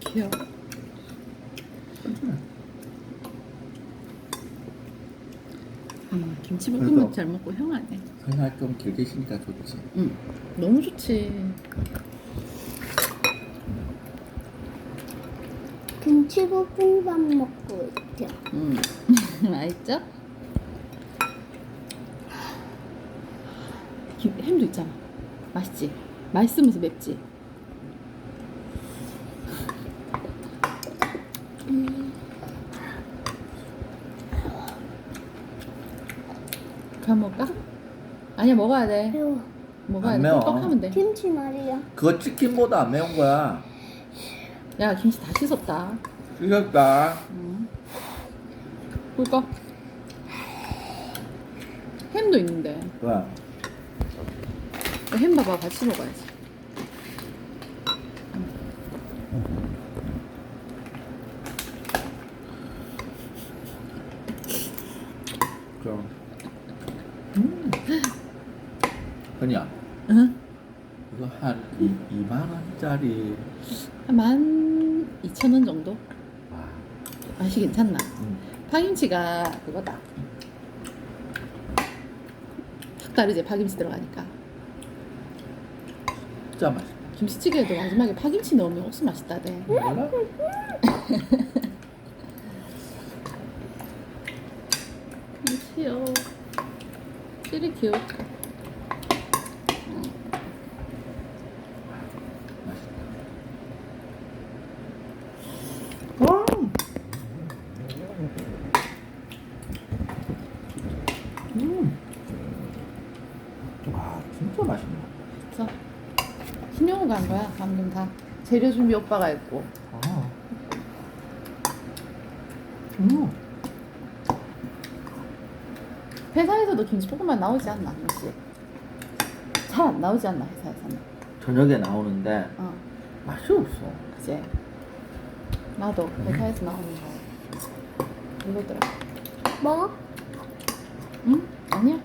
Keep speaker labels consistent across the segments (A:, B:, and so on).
A: 귀여워. 김치볶음밥
B: 그래서-
A: 잘 먹고 형 아니야?
B: 생활 좀 길게 쉬니까 좋지.
A: 응, 너무 좋지.
C: 김치볶음밥 먹고 있죠.
A: 맛있죠? 햄도 있잖아. 맛있지? 맛있으면서 맵지? 그럼 먹을까? 아니야, 먹어야 돼.
C: 매워.
A: 먹어야
B: 안
A: 돼.
B: 매워.
A: 꿀꺽 하면 돼.
C: 김치 말이야.
B: 그거 치킨보다 안 매운 거야.
A: 야, 김치 다 씻었다.
B: 이겼다.
A: 꿀꺽. 햄도 있는데.
B: 왜?
A: 햄 봐봐, 같이 먹어야지.
B: 그럼. 그냥
A: 응?
B: 이거 한 2만 원짜리.
A: 한 12,000원 정도?
B: 와.
A: 맛이 괜찮나?
B: 음.
A: 파김치가 그거다. 확 다르지, 파김치 들어가니까.
B: 진짜 맛있다.
A: 김치찌개에도 마지막에 파김치 넣으면 억수 맛있다대.
B: 몰라?
A: 김치요. 찌리 귀여워.
B: 와. 와, 진짜 맛있네.
A: 그래서 신용우가 한 거야, 방금 다. 재료 준비 오빠가 했고.
B: 아.
A: 회사에서도 김치볶음밥 나오지 않나, 혹시? 잘 안 나오지 않나, 회사에서는?
B: 저녁에 나오는데
A: 어,
B: 맛이 없어.
A: 그치? 나도 회사에서 나오는 거. 이거더라.
C: 뭐?
A: 응? 아니야.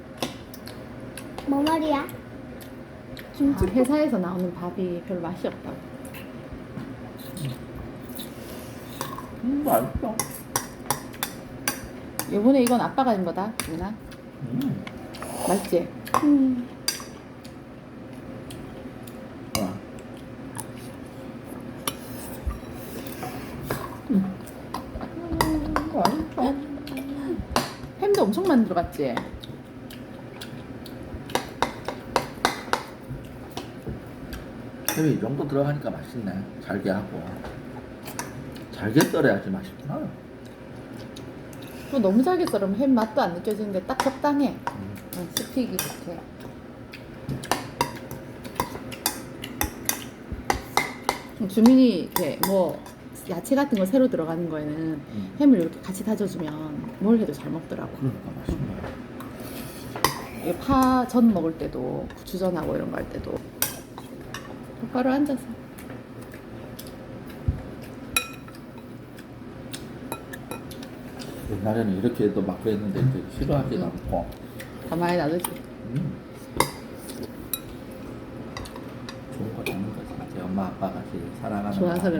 C: 뭐 말이야?
A: 아,
C: 김치
A: 회사에서 나오는 밥이 별로 맛이 없다고.
B: 맛있어.
A: 요번에 이건 아빠가 한 거다, 유나. 맛있지?
B: 와. 맛있어.
A: 햄도 엄청 많이 들어갔지?
B: 햄이 이 정도 들어가니까 맛있네. 잘게 하고. 잘게 썰어야지 맛있구나.
A: 또 너무 잘게 썰으면 햄 맛도 안 느껴지는데 딱 적당해. 응, 씹히기 좋게. 주민이 이렇게 뭐 야채 같은 거 새로 들어가는 거에는 햄을 이렇게 같이 다져주면 뭘 해도 잘 먹더라고.
B: 그러니까 맛있네.
A: 파전 먹을 때도 고추전하고 이런 거 할 때도 똑바로 앉아서.
B: 옛날에는 이렇게 해도 막 그랬는데 이제 싫어하지도 않고.
A: 가만히 놔두지.
B: 좋은 거 잡는 거지. 이제 엄마 아빠가 제일 사랑하는
A: 좋아서
B: 거.
A: 그래.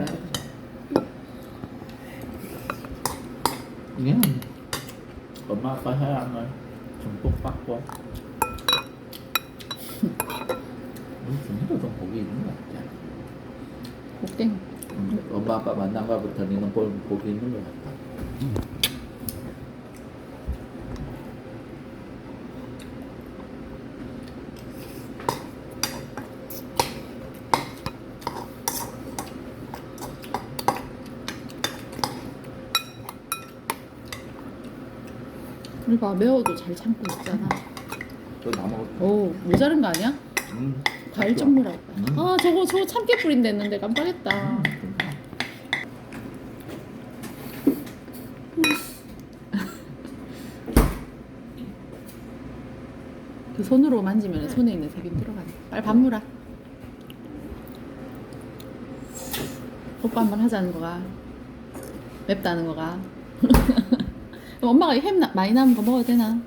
B: 이게 엄마 아빠 사랑을 듬뿍 받고. 우리 준이도 좀 복이 있는 것 같아.
A: 복땡.
B: 엄마 아빠 만난 거부터 니는 복이 있는 것 같아.
A: 우리 봐, 매워도 잘 참고 있잖아.
B: 또다 먹을
A: 오, 모자른 거 아니야? 과일 좀 물어. 아, 저거 참깨 뿌린다 했는데 깜빡했다. 그 손으로 만지면 손에 있는 세균 들어가네. 빨리 밥 물어. 오빠 한 번 하자는 거가. 맵다는 거가. 엄마가 햄 많이 남은 거 먹어도 되나?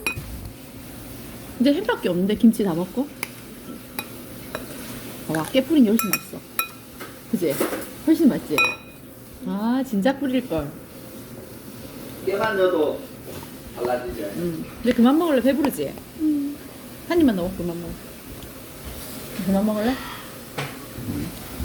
A: 이제 햄밖에 없는데 김치 다 먹고. 와, 깨뿌린 게 훨씬 맛있어. 그지? 훨씬 맛있지? 아 진작 뿌릴걸.
B: 깨만 넣어도 달라지죠.
A: 근데 그만 먹을래? 배부르지?
C: 음.
A: 한 입만 넣어 그만 먹어. 그만 먹을래?